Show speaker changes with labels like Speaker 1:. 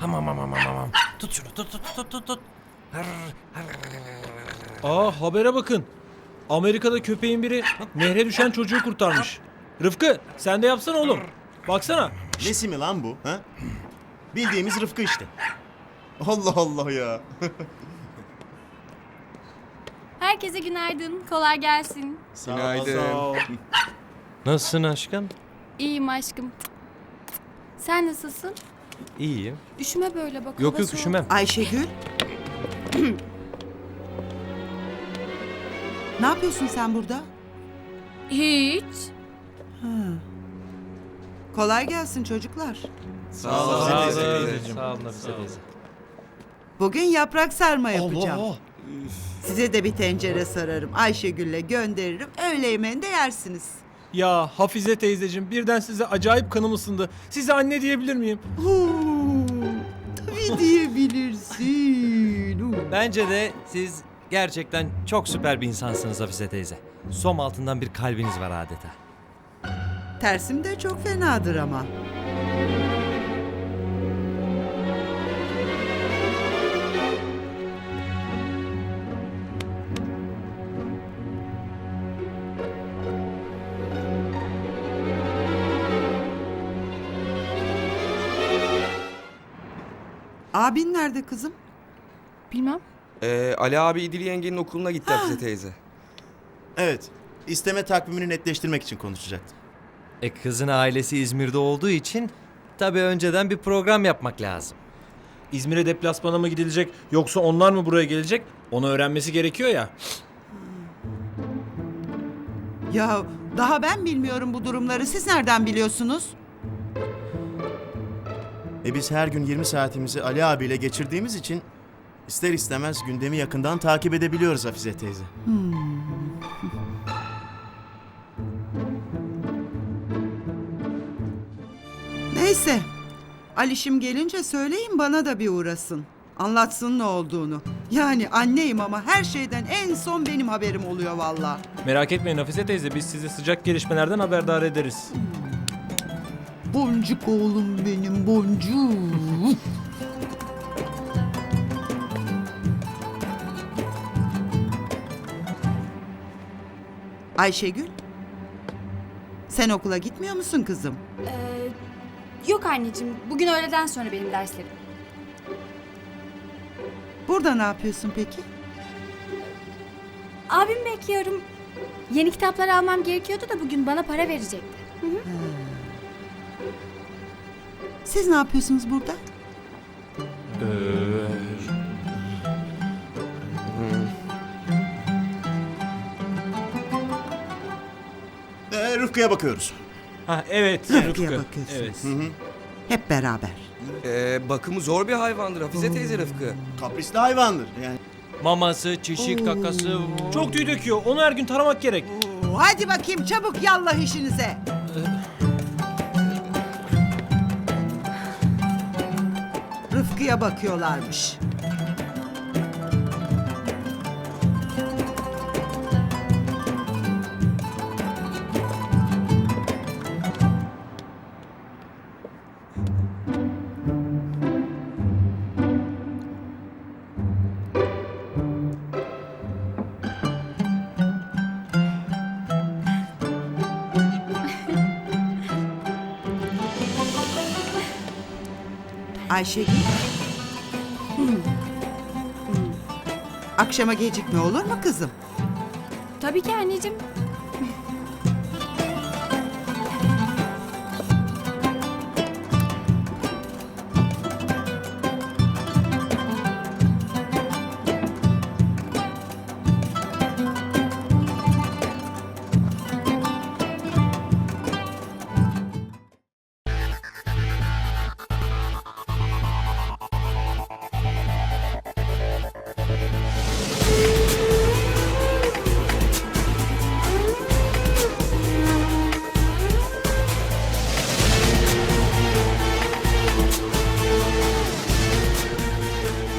Speaker 1: Tamam. Tut şunu tut.
Speaker 2: Habere bakın. Amerika'da köpeğin biri nehre düşen çocuğu kurtarmış. Rıfkı sen de yapsana oğlum. Baksana.
Speaker 3: Nesi mi lan bu? Ha? Bildiğimiz Rıfkı işte. Allah Allah ya.
Speaker 4: Herkese günaydın. Kolay gelsin.
Speaker 3: Günaydın.
Speaker 2: Sağ ol.
Speaker 1: Nasılsın aşkım?
Speaker 4: İyiyim aşkım. Sen nasılsın?
Speaker 1: İyiyim.
Speaker 4: Üşüme böyle bak.
Speaker 1: Yok
Speaker 4: hava soğuk.
Speaker 1: üşümem.
Speaker 5: Ayşegül. Ne yapıyorsun sen burada?
Speaker 4: Hiç.
Speaker 5: Kolay gelsin çocuklar.
Speaker 3: Sağ ol.
Speaker 1: Sağ olun
Speaker 3: teyze.
Speaker 1: teyzeciğim. Sağ olun Hafize teyze.
Speaker 5: Bugün yaprak sarma yapacağım.
Speaker 1: Allah.
Speaker 5: Size de bir tencere sararım. Ayşegül'le gönderirim. Öğle yemeğinde yersiniz.
Speaker 2: Ya Hafize teyzeciğim birden size acayip kanım ısındı. Size anne diyebilir miyim?
Speaker 5: Tabii diyebilirsin.
Speaker 1: Bence de siz gerçekten çok süper bir insansınız Hafize teyze. Som altından bir kalbiniz var adeta.
Speaker 5: Tersim de çok fenadır ama. Abin nerede kızım?
Speaker 4: Bilmem.
Speaker 6: Ali abi İdil yengenin okuluna gitti Hafize teyze.
Speaker 3: Evet. İsteme takvimini netleştirmek için konuşacaktım.
Speaker 1: Kızın ailesi İzmir'de olduğu için tabii önceden bir program yapmak lazım.
Speaker 2: İzmir'e deplasmana mı gidilecek yoksa onlar mı buraya gelecek? Onu öğrenmesi gerekiyor ya.
Speaker 5: Ya daha ben bilmiyorum bu durumları. Siz nereden biliyorsunuz?
Speaker 3: Biz her gün 20 saatimizi Ali abiyle geçirdiğimiz için ister istemez gündemi yakından takip edebiliyoruz Hafize teyze.
Speaker 5: Neyse. Alişim gelince söyleyin bana da bir uğrasın. Anlatsın ne olduğunu. Yani anneyim ama her şeyden en son benim haberim oluyor valla.
Speaker 2: Merak etmeyin Hafize teyze biz sizi sıcak gelişmelerden haberdar ederiz.
Speaker 5: Boncuk oğlum benim boncuk. Ayşegül. Sen okula gitmiyor musun kızım?
Speaker 4: Yok anneciğim. Bugün öğleden sonra benim derslerim.
Speaker 5: Burada ne yapıyorsun peki?
Speaker 4: Abim bekliyorum. Yeni kitaplar almam gerekiyordu da bugün bana para verecekti.
Speaker 5: Siz ne yapıyorsunuz burada?
Speaker 3: Rıfkı'ya bakıyoruz.
Speaker 2: Evet
Speaker 5: Rıfkı'ya
Speaker 2: Rıfkı.
Speaker 5: bakıyorsunuz.
Speaker 2: Evet.
Speaker 5: Hep beraber.
Speaker 6: Bakımı zor bir hayvandır Hafize teyze Rıfkı.
Speaker 3: Kaprisli hayvandır. Yani
Speaker 1: Maması, çişi, kakası.
Speaker 2: Çok tüy döküyor. Onu her gün taramak gerek.
Speaker 5: Hadi bakayım çabuk yallah işinize. Rıfkı'ya bakıyorlarmış. Ayşegül. Akşama gecikme olur mu kızım?
Speaker 4: Tabii ki anneciğim.